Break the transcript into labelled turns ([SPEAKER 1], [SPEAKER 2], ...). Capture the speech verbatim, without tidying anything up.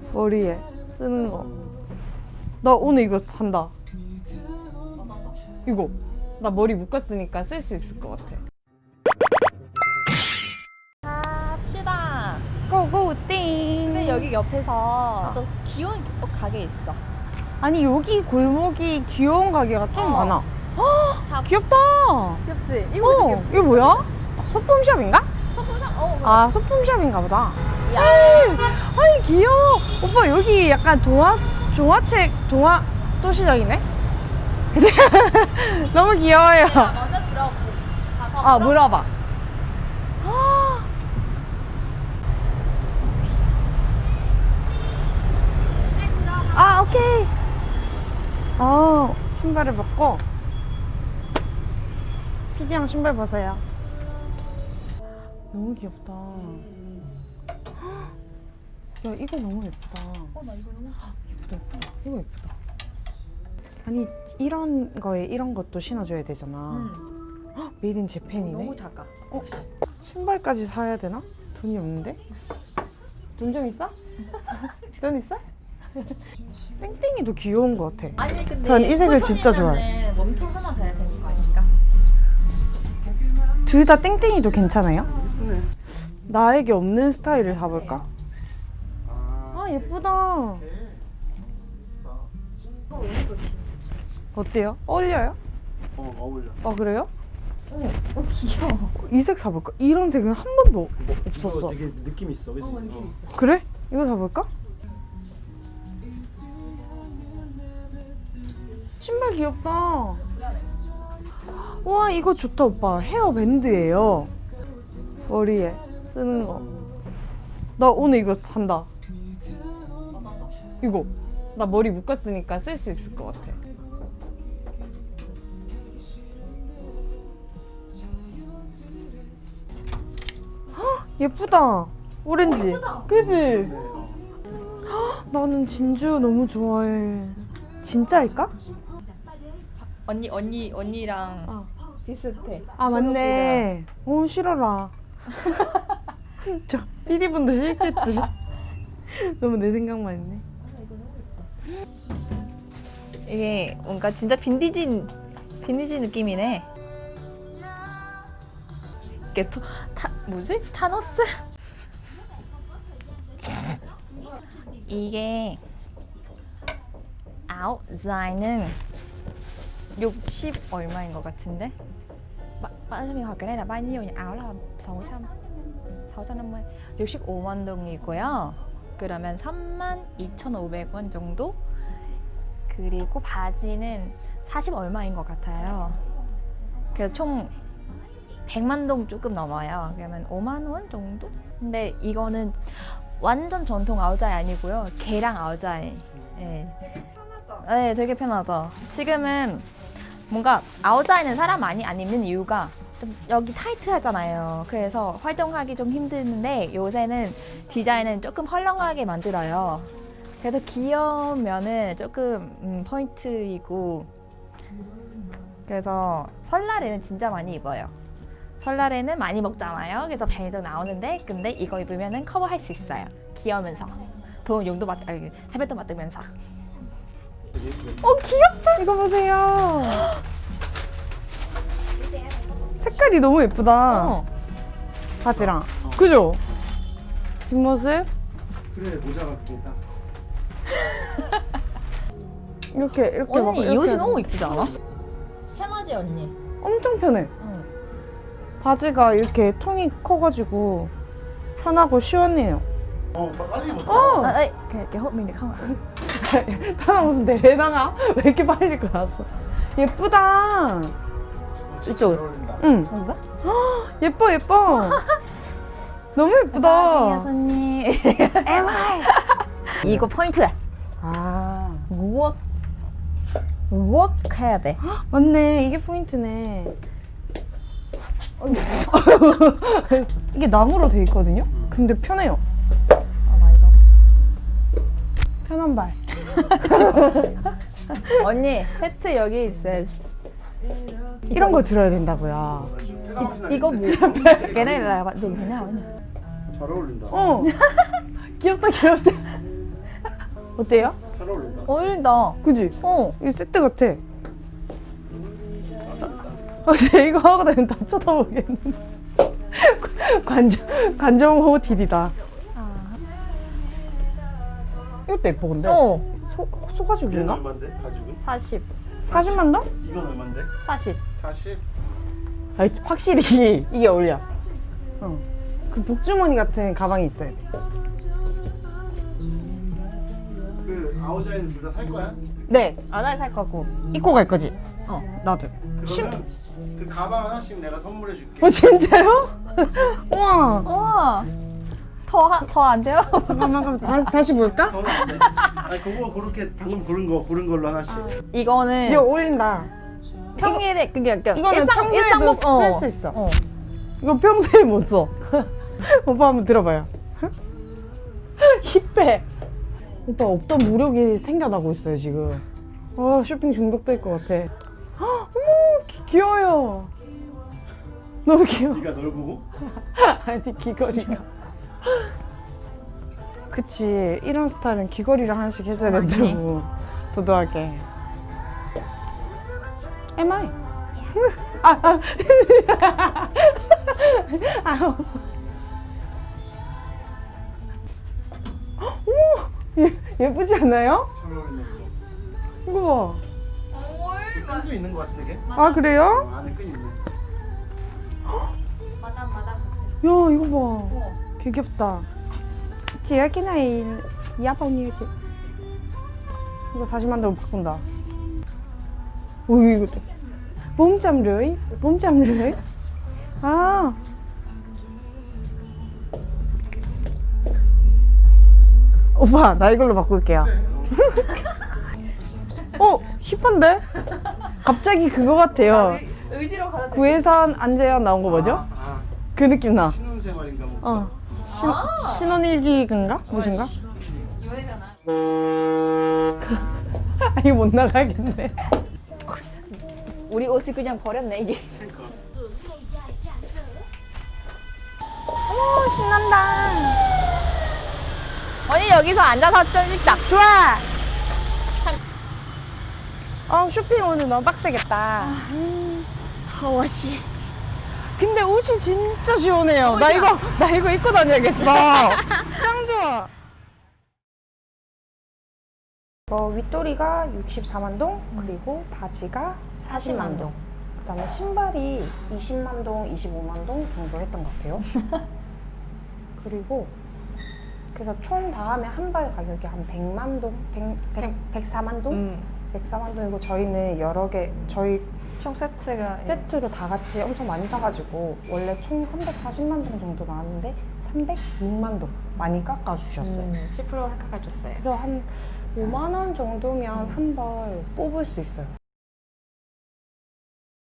[SPEAKER 1] 머리에 쓰는 거. 나 오늘 이거 산다. 이거 나 머리 묶었으니까 쓸 수 있을 것 같아.
[SPEAKER 2] 갑시다.
[SPEAKER 1] 고고 띵.
[SPEAKER 2] 근데 여기 옆에서 또 귀여운 또 가게 있어.
[SPEAKER 1] 아니 여기 골목이 귀여운 가게가 좀
[SPEAKER 2] 어.
[SPEAKER 1] 많아.
[SPEAKER 2] 자,
[SPEAKER 1] 귀엽다.
[SPEAKER 2] 귀엽지? 이거
[SPEAKER 1] 어, 이거 뭐야? 소품샵인가?
[SPEAKER 2] 소품샵? 어,
[SPEAKER 1] 아, 소품샵인가 보다.
[SPEAKER 2] 야.
[SPEAKER 1] 아니 귀여워. 오빠 여기 약간 동화 동화책 동화 도시락이네. 너무 귀여워요.
[SPEAKER 2] 내가 먼저 들어보고 가서
[SPEAKER 1] 아 물어봐. 아 오케이. 아 신발을 벗고. 피디랑 신발 벗어요. 너무 귀엽다. 야 이거 너무 예쁘다.
[SPEAKER 2] 어, 나 이거 너무 좋아.
[SPEAKER 1] 예쁘다 예쁘다. 이거 예쁘다. 아니 이런 거에 이런 것도 신어줘야 되잖아.
[SPEAKER 2] 응.
[SPEAKER 1] 헉, 메이드 인 재팬이네.
[SPEAKER 2] 너무 작아.
[SPEAKER 1] 어? 신발까지 사야 되나? 돈이 없는데? 돈 좀 있어? 돈 있어? 땡땡이도 귀여운 것 같아.
[SPEAKER 2] 아니 근데
[SPEAKER 1] 전 이 색을 진짜
[SPEAKER 2] 좋아해. 몸통 하나 돼야 되는 거 아닌가?
[SPEAKER 1] 둘 다 땡땡이도 괜찮아요? 네. 나에게 없는 스타일을 사볼까? 아 예쁘다. 어때요? 어울려요?
[SPEAKER 3] 어, 어울려.
[SPEAKER 1] 아 그래요?
[SPEAKER 2] 어, 어 귀여워.
[SPEAKER 1] 이 색 사볼까? 이런 색은 한 번도 없었어.
[SPEAKER 3] 이거 되게 느낌 있어, 그치?
[SPEAKER 2] 어, 느낌 있어.
[SPEAKER 1] 그래? 이거 사볼까? 신발 귀엽다. 와 이거 좋다 오빠. 헤어밴드예요. 머리에 쓰는 거. 나 오늘 이거 산다. 이거 나 머리 묶었으니까 쓸 수 있을 것 같아. 헉, 예쁘다. 오렌지.
[SPEAKER 2] 예쁘다.
[SPEAKER 1] 그지? 헉, 나는 진주 너무 좋아해. 진짜일까?
[SPEAKER 2] 언니 언니 언니랑
[SPEAKER 1] 어.
[SPEAKER 2] 비슷해.
[SPEAKER 1] 아 맞네. 어 싫어라. 저 피디분도 싫겠지. 너무 내 생각만 했네.
[SPEAKER 2] 이게 뭔가 진짜 빈티지 빈티지 느낌이네. 이게 또, 타 뭐지? 타노스? 이게 아웃라인은 육십 얼마인 것 같은데? bạn hỏi cái này là bao nhiêu nhỉ? áo là sáu trăm, sáu trăm năm mươi, 육십오만 동이고요. 그러면 삼만 이천오백 원 정도? 그리고 바지는 사십 얼마인 것 같아요. 그래서 총 백만 동 조금 넘어요. 그러면 오만 원 정도? 근데 이거는 완전 전통 아우자이 아니고요. 개랑 아우자이. 네. 네, 되게 편하죠. 지금은 뭔가 아우자이는 사람 많이 안 입는 이유가 좀 여기 타이트하잖아요. 그래서 활동하기 좀 힘드는데 요새는 디자인은 조금 헐렁하게 만들어요. 그래서 귀여우면은 조금 음, 포인트이고, 그래서 설날에는 진짜 많이 입어요. 설날에는 많이 먹잖아요. 그래서 배도 나오는데 근데 이거 입으면은 커버할 수 있어요. 귀여우면서 돈 용도 받, 아니, 세뱃돈 받으면서. 어 귀엽다.
[SPEAKER 1] 이거 보세요. 색깔이 너무 예쁘다.
[SPEAKER 2] 어.
[SPEAKER 1] 바지랑. 그죠? 뒷모습
[SPEAKER 3] 그래, 모자가 그게 딱.
[SPEAKER 1] 이렇게 이렇게 막
[SPEAKER 2] 언니 이
[SPEAKER 1] 이렇게
[SPEAKER 2] 옷이 너무 이쁘지 않아? 편하지 언니?
[SPEAKER 1] 엄청 편해.
[SPEAKER 2] 응.
[SPEAKER 1] 바지가 이렇게 통이 커가지고 편하고 시원해요.
[SPEAKER 3] 어, 빨리 입었다.
[SPEAKER 1] 어.
[SPEAKER 2] 아, 에이, cái cái hộp mình được không ạ?
[SPEAKER 1] 타나 무슨 대회 나가? 왜 이렇게 빨리 입고 나왔어? 예쁘다.
[SPEAKER 3] 진짜
[SPEAKER 2] 이쪽.
[SPEAKER 3] 잘 어울린다.
[SPEAKER 1] 응.
[SPEAKER 2] 맞아?
[SPEAKER 1] 예뻐 예뻐. 너무 예쁘다.
[SPEAKER 2] 손님.
[SPEAKER 1] 에마이.
[SPEAKER 2] 이거 포인트야.
[SPEAKER 1] 아
[SPEAKER 2] 우억. 우억 해야 돼.
[SPEAKER 1] 맞네. 이게 포인트네. 이게 나무로 돼 있거든요. 근데 편해요.
[SPEAKER 2] 아, 나 이거.
[SPEAKER 1] 편한 발.
[SPEAKER 2] 언니 세트 여기 있어요.
[SPEAKER 1] 이런 거 들어야 된다고요.
[SPEAKER 2] 이거 뭐? cái này là bạn dùng thế nào nhỉ?
[SPEAKER 3] 잘 어울린다.
[SPEAKER 1] 어. 귀엽다 귀엽다. 어때요?
[SPEAKER 3] 잘 어울린다.
[SPEAKER 2] 어울린다.
[SPEAKER 1] 그지?
[SPEAKER 2] 어.
[SPEAKER 1] 이거 세트 같아. 아, 근데 이거 하고 다니면 다 쳐다보겠는데. 관정, 관정 호텔이다. 이것도 예뻐, 근데.
[SPEAKER 2] 어.
[SPEAKER 1] 소,
[SPEAKER 3] 얘는
[SPEAKER 1] 소가죽인가?
[SPEAKER 3] 얼마인데? 가죽은?
[SPEAKER 2] 사십.
[SPEAKER 1] 사십만 원?
[SPEAKER 3] 이건 얼마인데?
[SPEAKER 2] 사십.
[SPEAKER 3] 사십.
[SPEAKER 1] 아, 확실히 이게 어울려. 어. 그 복주머니 같은 가방이 있어야 돼.
[SPEAKER 3] 그 아오자이는 둘 다 살 거야?
[SPEAKER 1] 네,
[SPEAKER 2] 아, 나 살 거고.
[SPEAKER 1] 입고 갈 거지?
[SPEAKER 2] 어.
[SPEAKER 1] 나도.
[SPEAKER 3] 그러면 그 가방 하나씩 내가 선물해 줄게.
[SPEAKER 1] 어, 진짜요? 우와.
[SPEAKER 2] 우와. 더더 안 돼요?
[SPEAKER 1] 잠깐만, 잠깐만. 다시, 다시 볼까?
[SPEAKER 3] 더는 안 돼. 아니 그거 그렇게 방금 고른 거 고른 걸로 하나씩.
[SPEAKER 2] 이거는
[SPEAKER 1] 이거 어울린다.
[SPEAKER 2] 평일에 그냥 그냥
[SPEAKER 1] 이거는 평소에도 쓸 수 있어.
[SPEAKER 2] 어.
[SPEAKER 1] 이거 평소에 못 써. 오빠 한번 들어봐요. 힙해. 오빠 없던 무력이 생겨나고 있어요 지금. 아 쇼핑 중독될 것 같아. 헉, 어머 귀, 귀여워요. 너무 귀여워.
[SPEAKER 3] 네가 널 보고?
[SPEAKER 1] 아니 귀걸이가. 그치 이런 스타일은 귀걸이를 하나씩 해줘야 된다고. 도도하게. Am I? 아, 아. 아. 어머, 예, 예쁘지 않아요?
[SPEAKER 3] 잘 어울리네.
[SPEAKER 1] 이거
[SPEAKER 3] 끈도 있는 거 같은데 걔?
[SPEAKER 1] 봐. 아 그래요?
[SPEAKER 3] 어, 안에 끈 있네.
[SPEAKER 2] 마담 마담.
[SPEAKER 1] 야 이거 봐. 개 귀엽다. Chị ơi cái này giá bao nhiêu chị? 이거 사십만 원 바꾼다. 오 이거 bốn trăm rưỡi, bốn trăm rưỡi. 아. 오빠 나 이걸로 바꿀게요. 어 힙한데? 갑자기 그거 같아요.
[SPEAKER 2] 의지로 가다.
[SPEAKER 1] 구혜선 안재현 나온 거 뭐죠?
[SPEAKER 3] 아, 아
[SPEAKER 1] 그 느낌 나.
[SPEAKER 3] 신혼생활인가 뭐.
[SPEAKER 1] 어. 신, 신혼일기인가? 무슨가?
[SPEAKER 2] 유해잖아.
[SPEAKER 1] 아, 이거 못 나가겠네.
[SPEAKER 2] 우리 옷을 그냥 버렸네 이게.
[SPEAKER 3] 그러니까.
[SPEAKER 1] 오, 신난다.
[SPEAKER 2] 언니 여기서 앉아서 사진 찍자.
[SPEAKER 1] 좋아. 아, 쇼핑 오늘 너무 빡세겠다. 음,
[SPEAKER 2] 더워 씨.
[SPEAKER 1] 근데 옷이 진짜 시원해요. 나 이거, 나 이거 입고 다녀야겠어. 짱 좋아. 어, 윗도리가 육십사만 동, 그리고 바지가 사십만 동. 그 다음에 신발이 이십만 동, 이십오만 동 정도 했던 것 같아요. 그리고 그래서 총 다 하면 한 벌 가격이 한 백만 동, 백, 백, 백사만 동?
[SPEAKER 2] 음.
[SPEAKER 1] 백사만 동이고 저희는 여러 개, 저희
[SPEAKER 2] 총 세트가
[SPEAKER 1] 세트로 다 같이 엄청 많이 사가지고 원래 총 삼백사십만 동 정도 나왔는데 삼백육만 동 많이 깎아주셨어요.
[SPEAKER 2] 음, 십 퍼센트 깎아줬어요.
[SPEAKER 1] 그래서 한 오만 원 정도면 한 벌 뽑을 수 있어요.